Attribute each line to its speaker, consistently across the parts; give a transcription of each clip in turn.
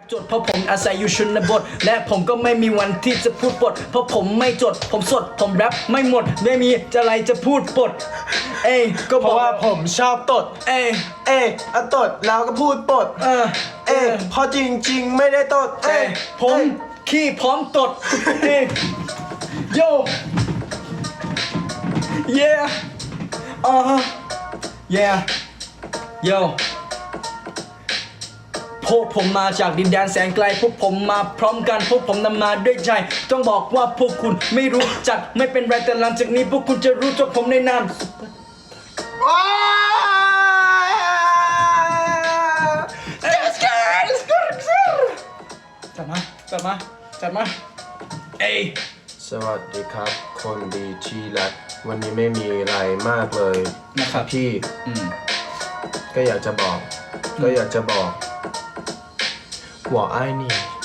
Speaker 1: จดเพราะผมอาศัยอยู่ชนบทและผมก็ไม่มีวันที่จะพูดปดเพราะผมไม่จดผมสดผมแรปไม่หมดไม่มีอะไรจะพูดปดก็
Speaker 2: เพราะว่าผมชอบตดตดแล้วก็พูดปดเพราะจริงๆไม่ได้ตด
Speaker 1: ผมขี้พร้อมตดโย yeah yeah yo พวกผมมาจากดินแดนแสนไกลพวกผมมาพร้อมกันพวกผมนำมาด้วยใจต้องบอกว่าพวกคุณไม่รู้จักไม่เป็นไรแต่หลังจากนี้พวกคุณจะรู้จักผมในนามจัดมา
Speaker 2: สวัสดีครับคนดีที่รักวันนี้ไม่มีอะไรมากเลย
Speaker 1: นะครับ
Speaker 2: พี่ก็อยากจะบอก我爱你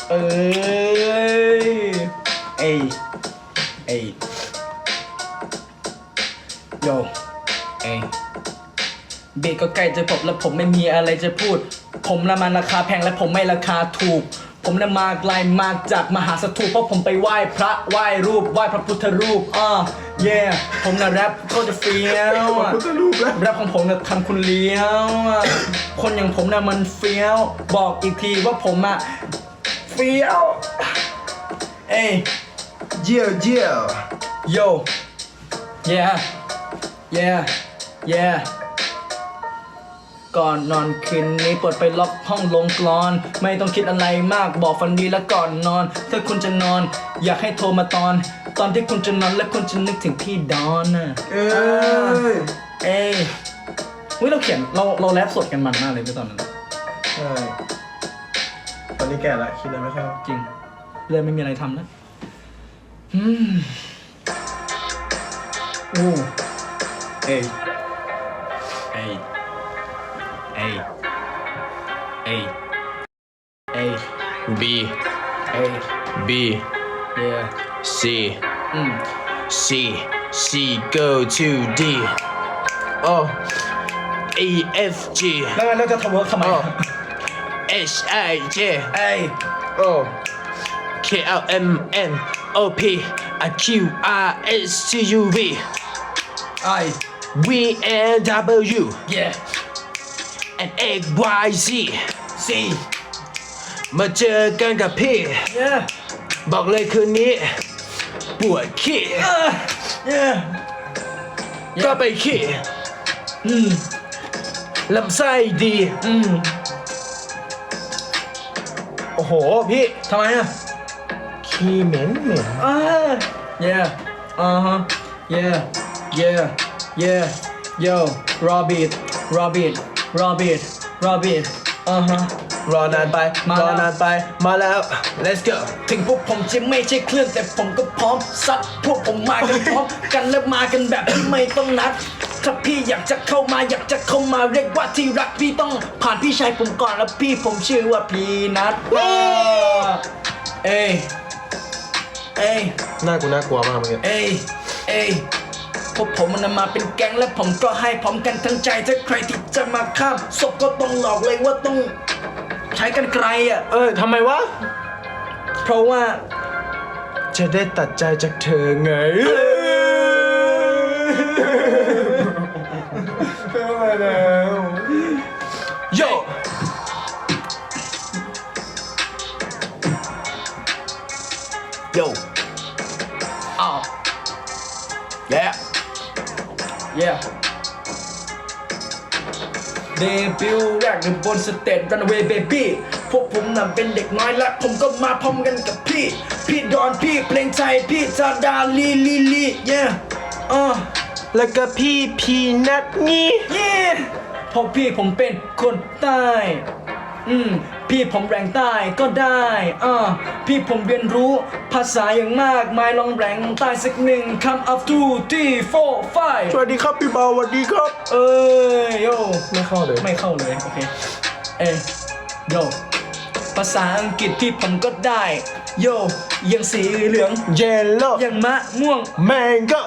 Speaker 1: โยเบก็ใกล้จะจบแล้วผมไม่มีอะไรจะพูดผมละมันราคาแพงและผมไม่ราคาถูกผมน่ะมาไกลมาจากมหาสถูปเพราะผมไปไหว้พระไหว้รูปไหว้พระพุทธรูปผมน่ะแรปก็จะเฟี้ยวแรปของผมน่ะทำคุณเลี้ยวคนอย่างผมน่ะมันเฟี้ยวบอกอีกทีว่าผมอะเฟี้ยว
Speaker 2: เจียว
Speaker 1: โย yeah ก่อนนอนคืนนี้เปิดไปล็อกห้องลงกลอนไม่ต้องคิดอะไรมากบอกฝันดีแล้วก่อนนอนถ้าคุณจะนอนอยากให้โทรมาตอนที่คุณจะนอนและคุณจะนึกถึงพี่ดอนน่ะเราเขียนเราแรปสดกันมันมากเลยในตอนนั้น
Speaker 2: ใช่ตอนนี้แก่ละคิดอะไรไม่ค่อย
Speaker 1: จริงเลยไม่มีอะไรทำแล้ว
Speaker 2: B
Speaker 1: yeah
Speaker 2: C C go to D E F G
Speaker 1: แล้วจะทำเวิร์คทำไม
Speaker 2: H I J K L M N O P Q R S T U V V N W and X Y Z มาเจอกันกับพี่บอกเลยคืนนี้ปวดขี้ก็ไปขี้ลำไส้ดีโอ้โหพี่
Speaker 1: ทำไมอะ
Speaker 2: ขี้เหม็น
Speaker 1: yeah yo Robert
Speaker 2: รอนานไปมาแล้ว let's go
Speaker 1: ถึงพวกผมจะไม่ใช่เครื่องแต่ผมก็พร้อมซัดพวกผมมากันพร้อมกันและมากันแบบที่ไม่ต้องนัดถ้าพี่อยากจะเข้ามาเรียกว่าที่รักพี่ต้องผ่านพี่ชายผมก่อนแล้วพี่ผมชื่อว่าพีนัท
Speaker 2: หน้ากูน่ากลัวมากเมื่อกี้
Speaker 1: พวกผมมันมาเป็นแก๊งและผมก็ให้พร้อมกันทั้งใจถ้าใครที่จะมาข้ามศพก็ต้องหลอกเลยว่าต้องใช้กันไกล
Speaker 2: ทำไมวะ
Speaker 1: เพราะว่า
Speaker 2: จะได้ตัดใจจากเธอไงมาแล้วโย
Speaker 1: เดบิวต์แรกอยู่บนสเตจ Runaway Baby พวกผมน่ะเป็นเด็กน้อยและผมก็มาพร้อมกันกับพี่ดอนพี่เพลงไทยพี่จาดาลี
Speaker 2: แล้วก็พี่พีนัทนี่
Speaker 1: เพราะพี่ผมเป็นคนใต้พี่ผมแรงใต้ก็ได้พี่ผมเรียนรู้ภาษาอย่างมากมายลองแรงใต้สักหนึ่งคำ up 2 3 4 5
Speaker 2: สวัสดีครับพี่เบาสวัสดีครับ
Speaker 1: โย
Speaker 2: ไม่เข้าเลย
Speaker 1: โอเคโยภาษาอังกฤษพี่ผมก็ได้โยอย่างสีเหลือง
Speaker 2: yellow
Speaker 1: อย่างมะม่วง
Speaker 2: mango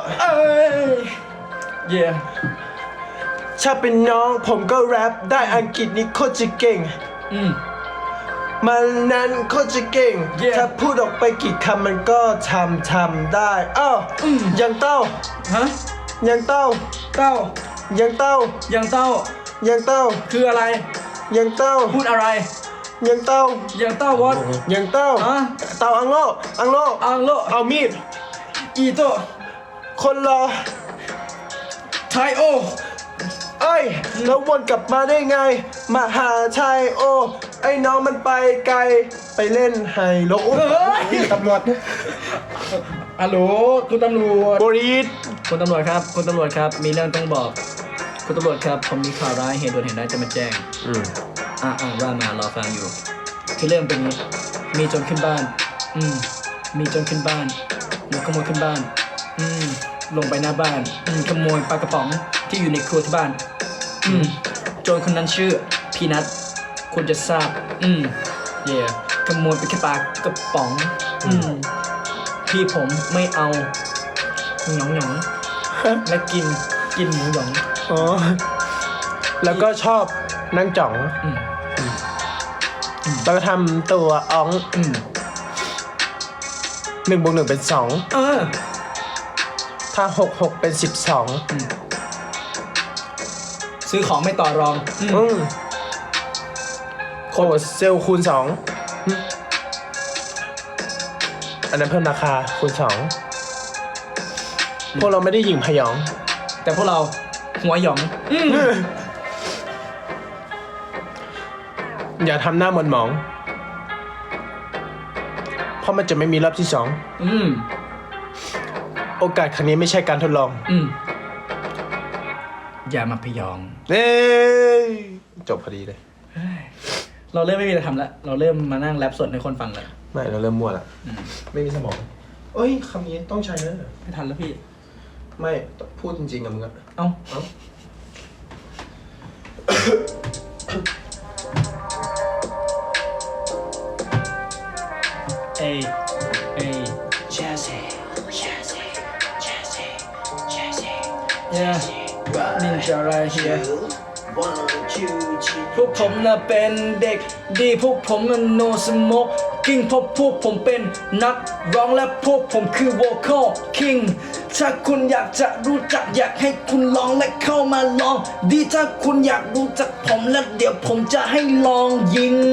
Speaker 1: ถ้า
Speaker 2: เป็นน้องผมก็แรปได้อังกฤษนี่โคตรจะเก่งมันนั้นโคตรจะเก่ง
Speaker 1: Yeah
Speaker 2: ถ้าพูดออกไปกี่คำมันก็ทำได้อ้าวยังเต้า
Speaker 1: ฮะ
Speaker 2: ยังเต้า
Speaker 1: เต้า
Speaker 2: ยังเต้า
Speaker 1: ยังเต้า
Speaker 2: ยังเต้า
Speaker 1: คืออะไร
Speaker 2: ยังเต้า
Speaker 1: พูดอะไร
Speaker 2: ยังเต้า
Speaker 1: ยังเต้าวอด
Speaker 2: ยังเต้า
Speaker 1: ฮะ
Speaker 2: เต้าอังโลอังโล
Speaker 1: อังโล
Speaker 2: เอามีด
Speaker 1: อีโต
Speaker 2: คนรอ
Speaker 1: ไทโอ
Speaker 2: เอ้ยแล้ววนกลับมาได้ไงมหาชัยโอ ไอ้น้องมันไปไกล ไปเล่นไฮโลโอ้ยตำรวจ
Speaker 1: ฮัลโหลคุณตำรวจ
Speaker 2: บริษ
Speaker 1: คุณตำรวจครับคุณตำรวจครับ มีเรื่องต้องบอก คุณตำรวจครับ ผมมีข่าวร้ายเหตุด่วนเหตุร้ายจะมาแจ้ง ว่ามารอฟังอยู่ คือเรื่องเป็นนี้มีโจรขึ้นบ้าน มีโจรขึ้นบ้านมีขโมยขึ้นบ้าน ลงไปหน้าบ้าน ขโมยปลากระป๋องที่อยู่ในครัวที่บ้าน โจรคนนั้นชื่อพีนัทคุณจะทราบ เย่ขโมยไปแค่ปลากระป๋อง พี่ผมไม่เอาหยองหยองและกินหมูหยอง
Speaker 2: อ๋อ แล้วก็ชอบนั่งจ่อง แล้วก็ทำตัวอ๋อง1+1เป็น2ถ้า6เป็น12
Speaker 1: ซื้อของไม่ต่อรอง
Speaker 2: โคเซลคูณ2อันนั้นเพิ่มราคาคูณ2พวกเราไม่ได้หยิ่งพยอง
Speaker 1: แต่พวกเราหัวหยอง
Speaker 2: อย่าทำหน้าหมนหมอง เพราะมันจะไม่มีรอบที่2โอกาสครั้งนี้ไม่ใช่การทดลอง
Speaker 1: อย่ามาพยอง
Speaker 2: เอ้ยจบพอดีเลย
Speaker 1: เราเริ่มไม่มีอะไรทำแล้ว เราเริ่มมานั่งแรปสดให้คนฟังแล้ว
Speaker 2: ไม่เราเริ่มมั่วแล้วไม่มีสมองเอ้ยคำนี้ต้องใช้นะ
Speaker 1: ไม่ทันแล้วพี่
Speaker 2: ไม่พูดจริงๆกับมึงอะ
Speaker 1: เอ้า เอ้นินจาไรเฮียพวกผมน่ะเป็นเด็กดีพวกผมน่ะ no smoke กิ้งเพราะพวกผมเป็นนักร้องและพวกผมคือ vocal king ถ้าคุณอยากจะรู้จักอยากให้คุณลองและเข้ามาลอง ดีถ้าคุณอยากรู้จักผมแล้วเดี๋ยวผมจะให้ลองยิง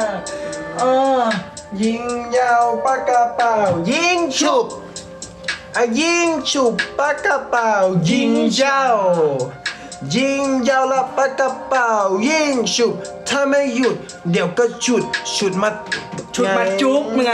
Speaker 2: ยิงยาวปากกระเป๋ายิงฉุบยิงฉุบปากกระเป๋ายิงยาวยิงยาวละปากกระเป๋ายิงฉุบถ้าไม่หยุดเดี๋ยวก็ฉุดมา
Speaker 1: จุ๊บไง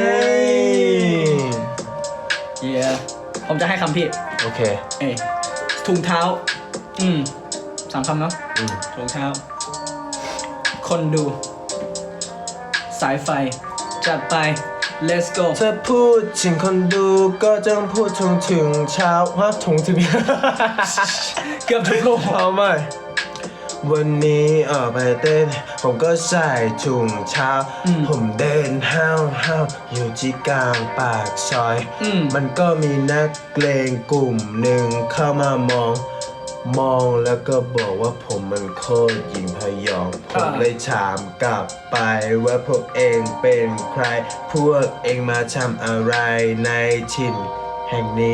Speaker 1: ผมจะให้คำพี่
Speaker 2: โอเค
Speaker 1: ถุงเท้า3 คำเนาะถุงเท้าคนดูสายไฟจัดไป let's go
Speaker 2: ถ้าพูดถึงคนดูก็ต้องพูดถึงเช้าถึง
Speaker 1: เกือบถูกลูก
Speaker 2: เอาใหม่วันนี้ออกไปเต้นผมก็ใส่ถุงเท้าผมเดินห้าวอยู่ที่กลางปากซอยมันก็มีนักเลงกลุ่มหนึ่งเข้ามามองแล้วก็บอกว่าผมมันโคตรหญิงพยองผมเลยถามกลับไปว่าพวกเองเป็นใครพวกเองมาทำอะไรในถิ่นแห่งนี้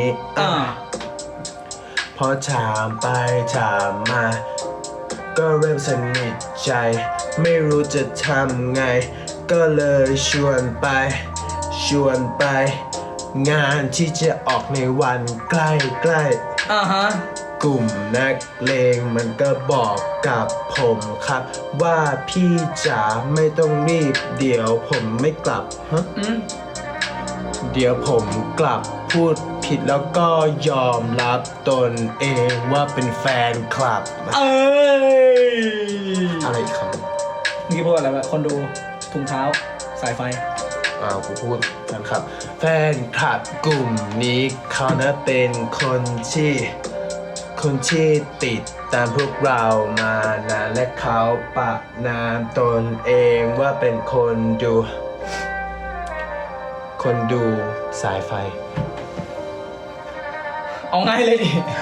Speaker 2: พอถามไปถามมาก็เริ่มสนิทใจไม่รู้จะทำไงก็เลยชวนไปงานที่จะออกในวันใกล้กลุ่มนักเลงมันก็บอกกับผมครับว่าพี่จ๋าไม่ต้องรีบเดี๋ยวผมไม่กลับเดี๋ยวผมกลับพูดผิดแล้วก็ยอมรับตนเองว่าเป็นแฟนคลับอะไรอีกคำ
Speaker 1: เมื่อกี้พูดอะไรวะคนดูถุงเท้าสายไฟ
Speaker 2: กูพูดแฟนคลับแฟนคลับกลุ่มนี้เขานะเป็นคนที่ติดตามพวกเรามานานและเขาปะนามตนเองว่าเป็นคนดูสายไฟ
Speaker 1: เอาง่ายเลยดิ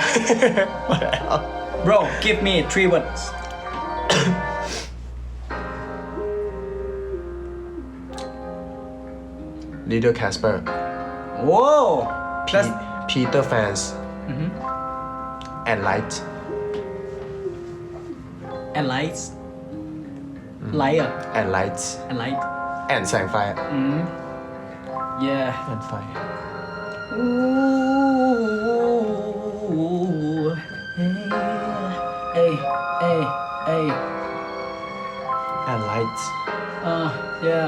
Speaker 1: Bro give me 3 words
Speaker 2: Little Casper
Speaker 1: Whoa that's
Speaker 2: Peter fans and light
Speaker 1: and lights light อ่ะ
Speaker 2: and lights
Speaker 1: and light
Speaker 2: and แสงไฟ
Speaker 1: yeah
Speaker 2: and ไฟ
Speaker 1: Ooh, hey, hey, hey,
Speaker 2: and lights
Speaker 1: yeah.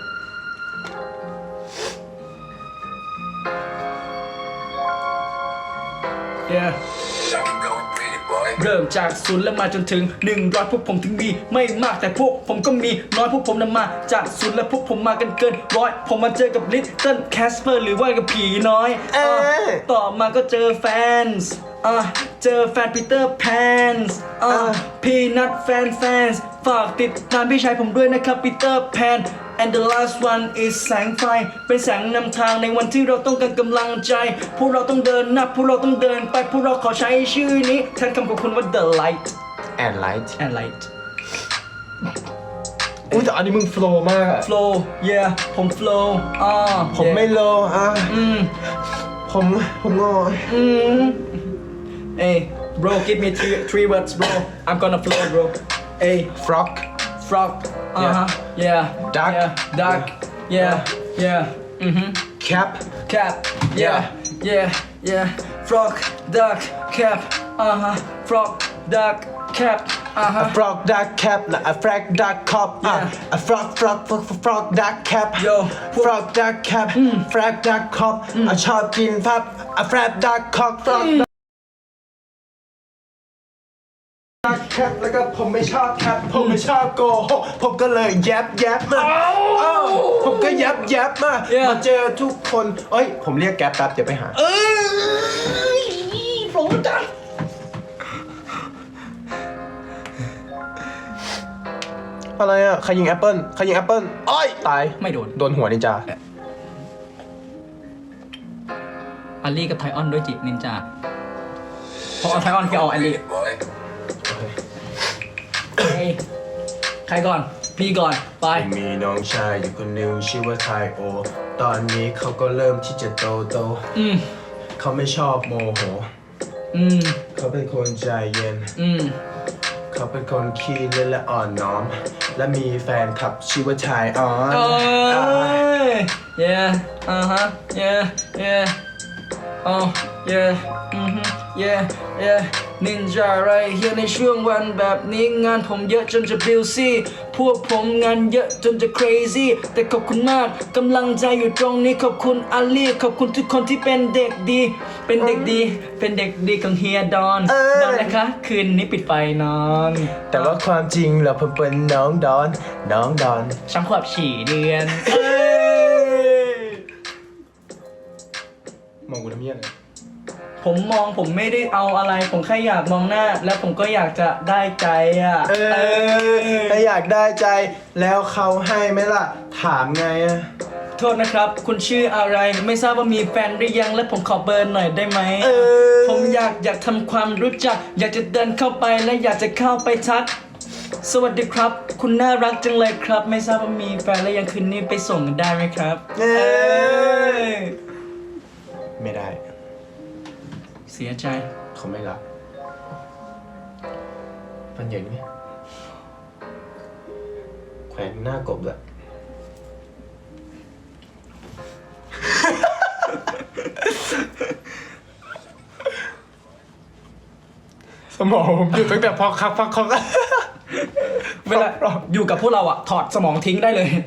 Speaker 1: Yeah. เริ่มจากศูนย์แล้วมาจนถึง100พวกผมถึงมีไม่มากแต่พวกผมก็มีน้อยพวกผมนำมาจากศูนย์และพวกผมมากันเกินร้อยผมมาเจอกับลิตเติ้ลแคสเปอร์หรือว่ากับผีน้อยต่อมาก็เจอแฟนส์เจอแฟนปีเตอร์แพนส์พีนัทแฟนส์ฝากติดตามพี่ชายผมด้วยนะครับปีเตอร์แพนAnd the last one is แสงไฟเป็นแสงนำทางในวันที่เราต้องการกำลังใจพวกเราต้องเดินนับพวกเราต้องเดินไปพวกเราขอใช้ชื่อนี้แทนคำของคุณว่า the light
Speaker 2: and light
Speaker 1: and light
Speaker 2: อุ้ยแต่อันนี้มึงโฟล์มากอะ
Speaker 1: flow yeah ผม flow
Speaker 2: ผมไม่โลผมงอ
Speaker 1: Hey bro give me three words bro I'm gonna flow bro Hey
Speaker 2: frog
Speaker 1: frog yeah
Speaker 2: Duck.
Speaker 1: yeah duck yeah yeah
Speaker 2: cap
Speaker 1: cap yeah frog duck cap frog duck cap
Speaker 2: a frog duck cap และ a frog duck cop a frog duck cap
Speaker 1: Yo.
Speaker 2: frog duck cap frog duck cop ชอบกินพับ a frog duck cop frog duck cap แล้วก็ผมไม่ชอบแคปผมไม่ชอบโกหกผมก็เลยแยบมาผมก็แยบมา
Speaker 1: Yeah.
Speaker 2: มาเจอทุกคนผมเรียกแก๊ปแป๊บเดี๋ยวไปหา
Speaker 1: โปรจัง
Speaker 2: อะไรอ่ะใครยิงแอปเปิ้ลตาย
Speaker 1: ไม่โดน
Speaker 2: โดนหัวนินจา
Speaker 1: อัลลี่กับไทออนด้วยจินินจาพอเอาไทออนคือเอาอัลลี่ใครก่อนพี่ก่อนไป
Speaker 2: มีน้องชายอยู่คนหนึ่งชื่อว่าไทโอ ตอนนี้เขาก็เริ่มที่จะโตเขาไม่ชอบโมโหเขาเป็นคนใจเย็นเขาเป็นคนขี้เล่นและอ่อนน้อม และมีแฟนคลับชื่อว่าชายออน
Speaker 1: yeah yeah oh yeah yeah นินจาไรเฮียในช่วงวันแบบนี้งานผมเยอะจนจะบิลซี่พวกผมงานเยอะจนจะ crazy แต่ขอบคุณมากกำลังใจอยู่ตรงนี้ขอบคุณอาลีขอบคุณทุกคนที่เป็นเด็กดีเป็นเด็กดีของเฮียดอนนะคะคืนนี้ปิดไฟนอน
Speaker 2: แต่ว่าความจริงเราเพิ่งเป็นน้องดอน
Speaker 1: ช้ำขวบฉี่เดือน
Speaker 2: มองกูทำเยี่ยน
Speaker 1: ผมไม่ได้เอาอะไรผมแค่อยากมองหน้าแล้วผมก็อยากจะได้ใจ
Speaker 2: ถ้าอยากได้ใจแล้วเขาให้ไหมล่ะถามไง
Speaker 1: โทษนะครับคุณชื่ออะไรไม่ทราบว่ามีแฟนหรือยังและผมขอเบอร์หน่อยได้ไหมผมอยากทำความรู้จักอยากจะเดินเข้าไปและอยากจะเข้าไปทักสวัสดีครับคุณน่ารักจังเลยครับไม่ทราบว่ามีแฟนแล้วยังคืนนี้ไปส่งกันได้ไหมครับ
Speaker 2: ไม่ได้
Speaker 1: เสียใจ
Speaker 2: เขาไม่รับมันใหญ่ไหมแขวนหน้ากบเลยสมองผมอยู่ตั้งแต่พอคัก
Speaker 1: เวลาอยู่กับพวกเราอะถอดสมองทิ้งได้เลย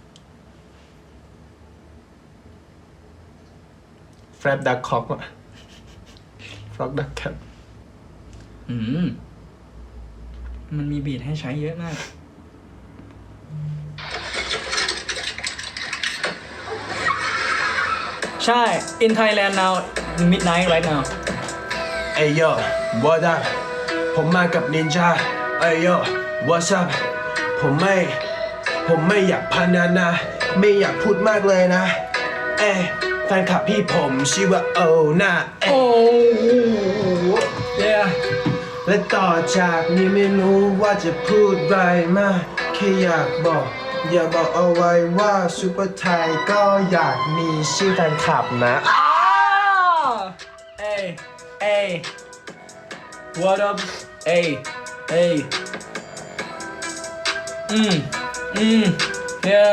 Speaker 2: แฟรบดักคอกอะฟล็อกดักแคป
Speaker 1: มันมีบีทให้ใช้เยอะมากใช่ in Thailand now midnight right now
Speaker 2: เอ้ยโย่ what up ผมมากับนินจาเอ้ยโย่ what's up ผมไม่อยากพนันนะไม่อยากพูดมากเลยนะแฟนคลับพี่ผมชื่อว่าโอน่า
Speaker 1: yeah
Speaker 2: และต่อจากนี้ไม่รู้ว่าจะพูดอะไรมากแค่อยากบอกอย่าบอกเอาไว้ว่าซูเปอร์ไทยก็อยากมีชื่อแฟนคลับนะ
Speaker 1: เอ้ยเอ้ย what up เอ้ยเอ้ยyeah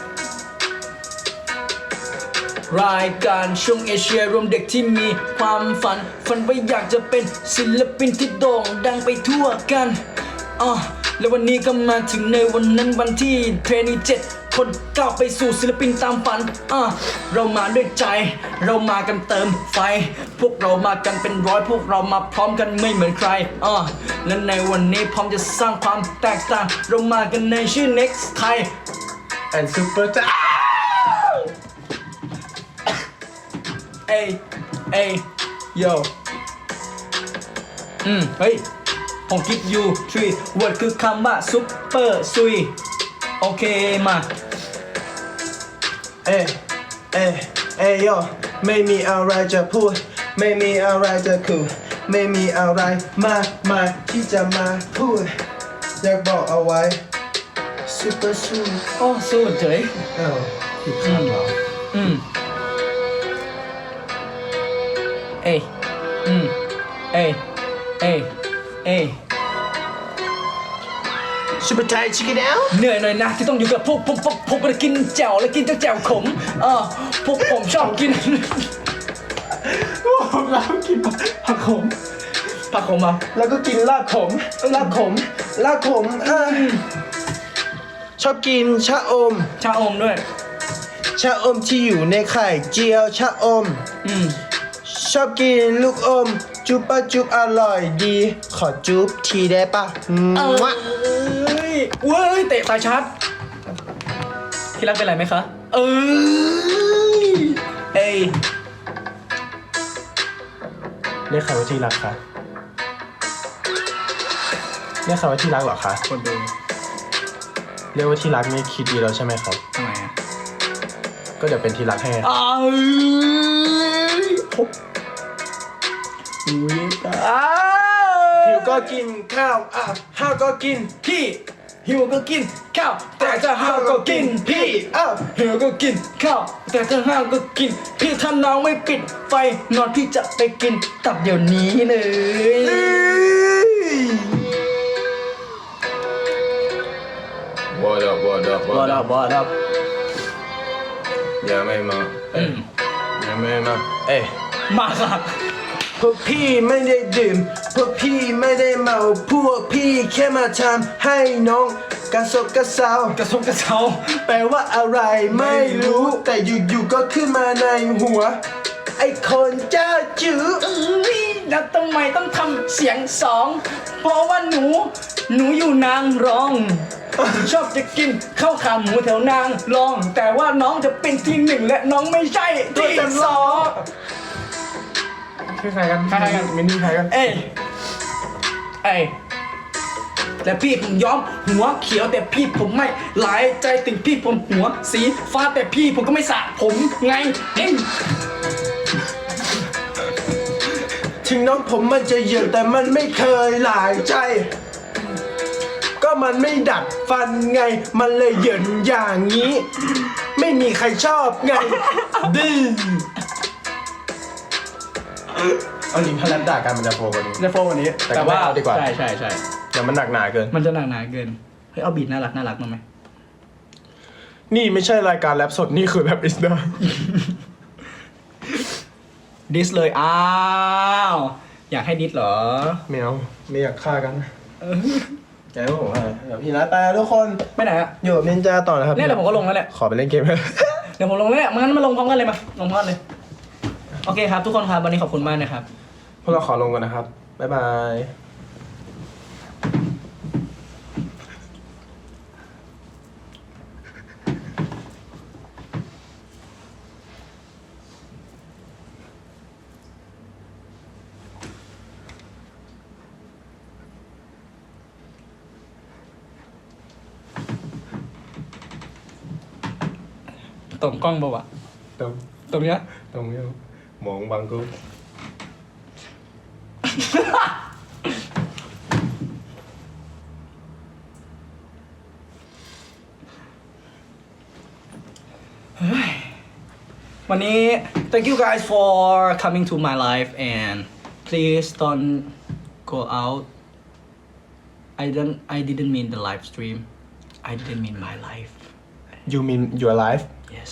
Speaker 1: รายการช่วงเอเชียรวมเด็กที่มีความฝันว่าอยากจะเป็นศิลปินที่โด่งดังไปทั่วกันแล้ววันนี้ก็มาถึงในวันนั้นวันที่เทรนนี7 คนก้าวไปสู่ศิลปินตามฝันเรามาด้วยใจ เรามากันเติมไฟ พวกเรามากันเป็นร้อย พวกเรามาพร้อมกันไม่เหมือนใครและในวันนี้พร้อมจะสร้างความแตกต่าง เรามากันในชื่อ Next Thai
Speaker 2: and Super Thai
Speaker 1: เอ้ยเอ้ย yo เฮ้ยผมคิดอยู่ 3 word คือคำว่า super ซุยโอเคมา
Speaker 2: เอ้โยไม่มีอะไรจะพูด ไม่มีอะไรจะคุยไม่มีอะไรมากมายที่จะมาพูด อยากบอกเอาไว้ Super สู้
Speaker 1: โอ้สู้เฉย
Speaker 2: ผิดคำเหรอ
Speaker 1: เอ้ยเอ้ยเอ้ยเอ้ย
Speaker 2: Super Thai Chicken Out
Speaker 1: เหนื่อยหน่อยนะที่ต้องอยู่กับพวกผมก็กินแจ่วและกินแจ่วขมพวกผมชอบกิน
Speaker 2: แล้วกินผักขม
Speaker 1: ผักขมอ่ะ
Speaker 2: แล้วก็กินลาบขมชอบกินชะอม
Speaker 1: ชาอมด้วย
Speaker 2: ชะอมที่อยู่ในไข่เจียวชะอม ชอบกินลูกอม จุ๊บปะจุ๊บอร่อยดี ขอจุ๊บทีได้ปะ
Speaker 1: เว้ยเตะตาชัดที่รักเป็นไรไหมคะเอ้ย
Speaker 2: เรียกใครว่าที่รักคะเรียกใครว่าที่รักเหรอคะ
Speaker 1: คนดู
Speaker 2: เรียกว่าที่รักนี่คิดดีแล้วใช่ไหมครับ
Speaker 1: ทำไมอ่ะ
Speaker 2: ก็เดี๋ยวเป็นที่รักให้ หิวก็กินข้าวห้าวก็กิน
Speaker 1: พี่หิวก็กินข้าวแต่ถ้าห้าวก็กินพี่หิวก็กินข้าวแต่ถ้าห้าวก็กินพี่ถ้าน้องไม่ปิดไฟนอนพี่จะไปกินตับเดี๋ยวนี้เลย
Speaker 2: What up
Speaker 1: What up
Speaker 2: ยังไม่มา
Speaker 1: มาค่ะ
Speaker 2: พวกพี่ไม่ได้ดื่ม พวกพี่ไม่ได้เมา พวกพี่แค่มาทำให้น้องกระสบกระเซาก
Speaker 1: ระซบกระเซา
Speaker 2: แปลว่าอะไรไม่รู้ แต่อยู่ๆก็ขึ้นมาในหัว ไอ้คนเจ้าจื้อ
Speaker 1: แล้วทำไมต้องทำเสียงสอง เพราะว่าหนูอยู่นางรอง ชอบจะกินข้าวขาหมูแถวนางรอง แต่ว่าน้องจะเป็นที่หนึ่งและน้องไม่ใช่ที่สอง
Speaker 2: คือใครกันมินนี่ใครกัน
Speaker 1: เอ้ยแต่พี่ผมย้อมหัวเขียวแต่พี่ผมไม่หลายใจถึงพี่ผมหัวสีฟ้าแต่พี่ผมก็ไม่สระผมไง
Speaker 2: ถึงน้องผมมันจะเหยินแต่มันไม่เคยหลายใจ ก็มันไม่ดัดฟันไง มันเลยเหยินอย่างนี้ ไม่มีใครชอบไงดื้อเอาจริงถ้าแรปด่ากันมันจะโฟกว่านี้
Speaker 1: จะโฟวันนี้
Speaker 2: แต่ว่าเอาดีกว่า
Speaker 1: ใช่
Speaker 2: เดี๋ยวมันหนักหนาเกิน
Speaker 1: มันจะหนักหนาเกินเฮ้ยเอาบีทน่ารักมาไหม
Speaker 2: นี่ไม่ใช่รายการแรปสดนี่คือแรปอิสดา
Speaker 1: ดิสเลยอ้าวอยากให้ดิสเหรอ
Speaker 2: ไม่เอาไม่อยากฆ่ากันใจว่าผมเดี๋ยวพี่นัดไปทุกคน
Speaker 1: ไปไหนอะ
Speaker 2: อยู่กับนินจาต่อนะครับ
Speaker 1: เนี่ยเดี๋ยวผมก็ลงแล้วแหละ
Speaker 2: ขอไปเล่นเกม
Speaker 1: เดี๋ยวผมลงแล้วแหละงั้นมาลงพร้อมกันเลยมาลงพร้อมกันเลยโอเคครับทุกคนครับวันนี้ขอบคุณมากนะครับ
Speaker 2: พวกเราขอลงก่อนนะครับบ๊ายบาย
Speaker 1: ตรงกล้องป่าวะ ตรงเนี้ย
Speaker 2: ตรงนี้มองบังกู
Speaker 1: วันนี้ thank you guys for coming to my life and please don't go out I didn't mean the live stream I didn't mean my life
Speaker 2: You mean your life
Speaker 1: yes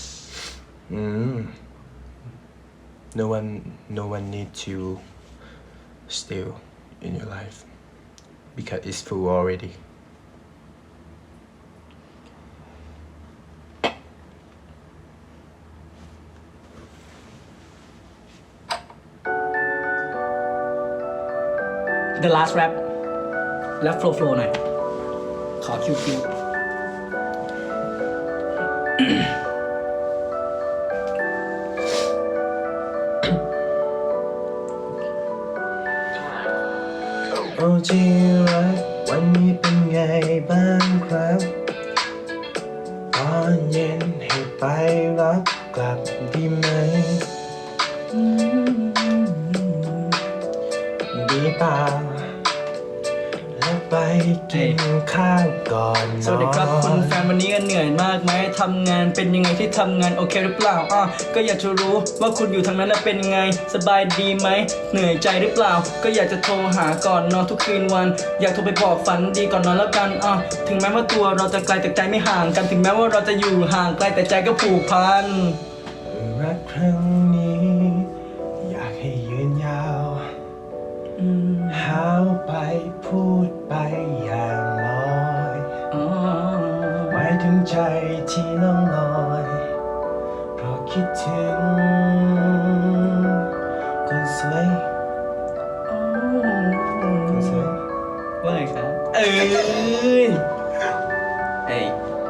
Speaker 2: No one need to still in your life because it's full already
Speaker 1: the last rap และ flow หน่อย ขอคิว
Speaker 2: โอ้ที่รักวันนี้เป็นไงบ้างครับตอนเย็นให้ไปรับกลับดีไหมดีเปล่าแล้วไปกินข้าวก่อนนอน
Speaker 1: สวัสดีครับคุณแฟนวันนี้เหนื่อยมากไหมทำงานเป็นยังไงที่ทำงานโอเคหรือเปล่าก็อยากจะรู้ว่าคุณอยู่ทางนั้นน่ะเป็นยังไงสบายดีไหมเหนื่อยใจหรือเปล่าก็อยากจะโทรหาก่อนนอนทุกคืนวันอยากโทรไปบอกฝันดีก่อนนอนแล้วกันถึงแม้ว่าตัวเราจะไกลแต่ใจไม่ห่างกันถึงแม้ว่าเราจะอยู่ห่างไกลแต่ใจก็ผูกพัน
Speaker 2: รักครั้งนี้อยากให้ยืนยาวหาวไปพูดไปอย่างลอยหมายถึงใจที่ล่องลอยเพราะคิดถึงคนสวยคนสวย
Speaker 1: ว่าไงครับเอ้ยเอ้ย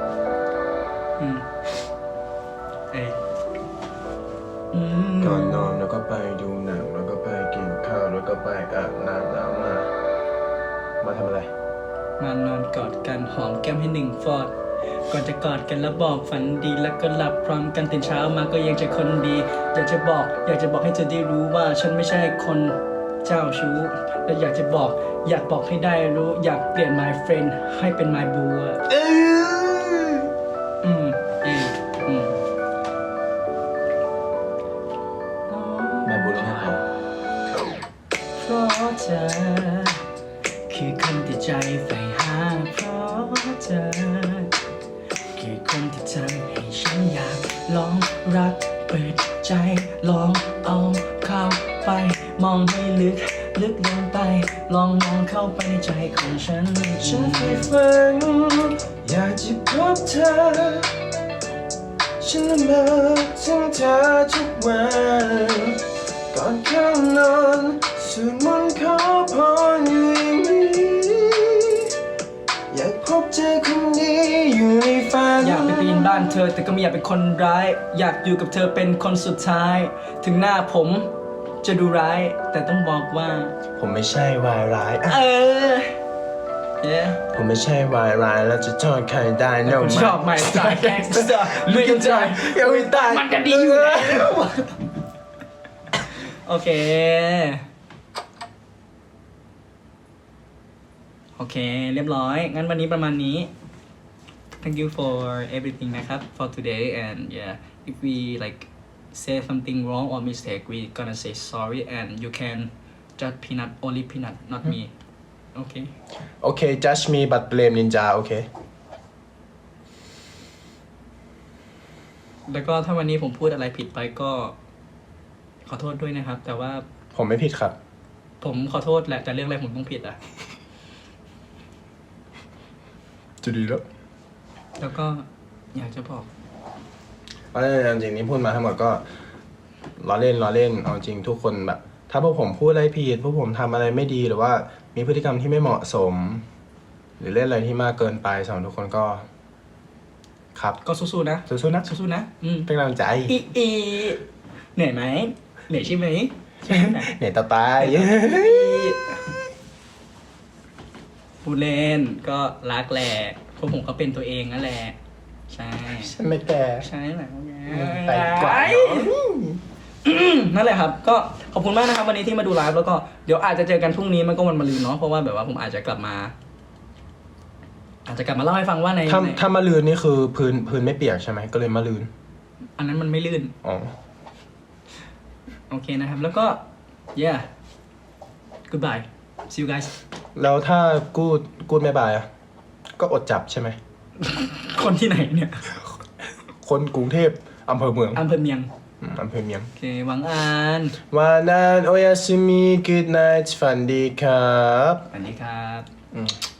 Speaker 1: เอ้ย
Speaker 2: ก่อนนอนแล้วก็ไปดูหนังแล้วก็ไปกินข้าวแล้วก็ไปอาบน้ำแล้วมาทำอะไร
Speaker 1: มานอนกอดกันหอมแก้มให้หนึ่งฟอดก่อนจะกอดกันแล้วบอกฝันดีแล้วก็หลับพร้อมกันตื่นเช้ามาก็ยังจะคนดีอยากจะบอกให้เธอได้รู้ว่าฉันไม่ใช่คนเจ้าชู้และอยากบอกให้ได้รู้อยากเปลี่ยน my friend ให้เป็น my boo
Speaker 2: แม่บุญให้เขา
Speaker 1: เพราะเธอคือคนที่ใจใฝ่หาเพราะเธอคือคนที่ทำให้ฉันอยากลองรักเปิดใจลองเอาเข้าไปมองให้ลึกลงไปลองมองเข้าไปในใจของฉัน
Speaker 2: ฉันใฝ่ฝันอยากจะพบเธอฉันละเมอถึงเธอทุกวันก่อนเข้านอนสวดมนต์ขอพรอยู่อย่างนี้อยากพบเจอคนดีอยู่ในฝัน
Speaker 1: อยากไปปีนบ้านเธอแต่ก็ไม่อยากเป็นคนร้ายอยากอยู่กับเธอเป็นคนสุดท้าย ถึงหน้าผมจะดูร้ายแต่ต้องบอกว่า
Speaker 2: ผมไม่ใช่วายร้ายอะ
Speaker 1: yeah
Speaker 2: ผมไม่ใช่วายร้ายแล้วจะโทษใครได้ no
Speaker 1: ผมชอบ my style gangster ไม่กันใจ
Speaker 2: ยังไม่ตาย
Speaker 1: มันก็ดีอยู่แล้วโอเค เรียบร้อย งั้นวันนี้ประมาณนี้ thank you for everything นะครับ for today and yeah if we like say something wrong or mistake we gonna say sorry and you can judge peanut only peanut not me okay
Speaker 2: Okay judge me but blame ninja okay
Speaker 1: แล้วก็ถ้าวันนี้ผมพูดอะไรผิดไปก็ขอโทษด้วยนะครับ แต่ว่า
Speaker 2: ผมไม่ผิดครับ
Speaker 1: ผมขอโทษแหละแต่เรื่องอะไรผมต้องผิดอ่ะ
Speaker 2: จะดีแล้ว
Speaker 1: แล้วก็อยากจะบอก
Speaker 2: เพราะฉะนั้นจริงๆนี้พูดมาทั้งหมดก็ล้อเล่นเอาจริงทุกคนแบบ ถ้าพวกผมพูดอะไรผิดพวกผมทำอะไรไม่ดีหรือว่ามีพฤติกรรมที่ไม่เหมาะสม หรือเล่นอะไรที่มากเกินไปสำหรับทุกคนก็ ครับ
Speaker 1: ก็สู้ๆนะ
Speaker 2: สู้ๆนะ
Speaker 1: สู้ๆนะ
Speaker 2: เป็นกำลังใจ
Speaker 1: อีเหนื่อยไหมเหนื่อยใช่ไหมใช่ไหม
Speaker 2: เหนื่อยต่อตาย
Speaker 1: พูดเล่นก็รักแหละพวกผมก็เป็นตัวเองนั่นแหละใช่
Speaker 2: ฉันไม่แก่
Speaker 1: ใช่แหละ
Speaker 2: แต่กว่า
Speaker 1: นั่นแหละครับ ก็ขอบคุณมากนะครับวันนี้ที่มาดูไลฟ์แล้วก็เดี๋ยวอาจจะเจอกันพรุ่งนี้มันก็วันมะรืนเนาะเพราะว่าแบบว่าผมอาจจะกลับมาเล่าให้ฟังว่าใน
Speaker 2: ถ้ามาลืนนี่คือพื้นไม่เปียกใช่ไหมก็เลยมาลืน
Speaker 1: อันนั้นมันไม่ลื่น
Speaker 2: อ๋อ
Speaker 1: โอเคนะครับ แล้วก็ yeah goodbye see you guys
Speaker 2: แล้วถ้ากูดไม่บายอะก็อดจับใช่ไหม
Speaker 1: คนที่ไหนเนี่ย
Speaker 2: คนกรุงเทพอำเภอเมือง
Speaker 1: อำเภอเมียง
Speaker 2: อำเภอเมียง
Speaker 1: โอเคหวังอ่าน
Speaker 2: วานันโอยาซิมิ good night ฝันดีครับ
Speaker 1: สวัสดีครับ
Speaker 2: อืม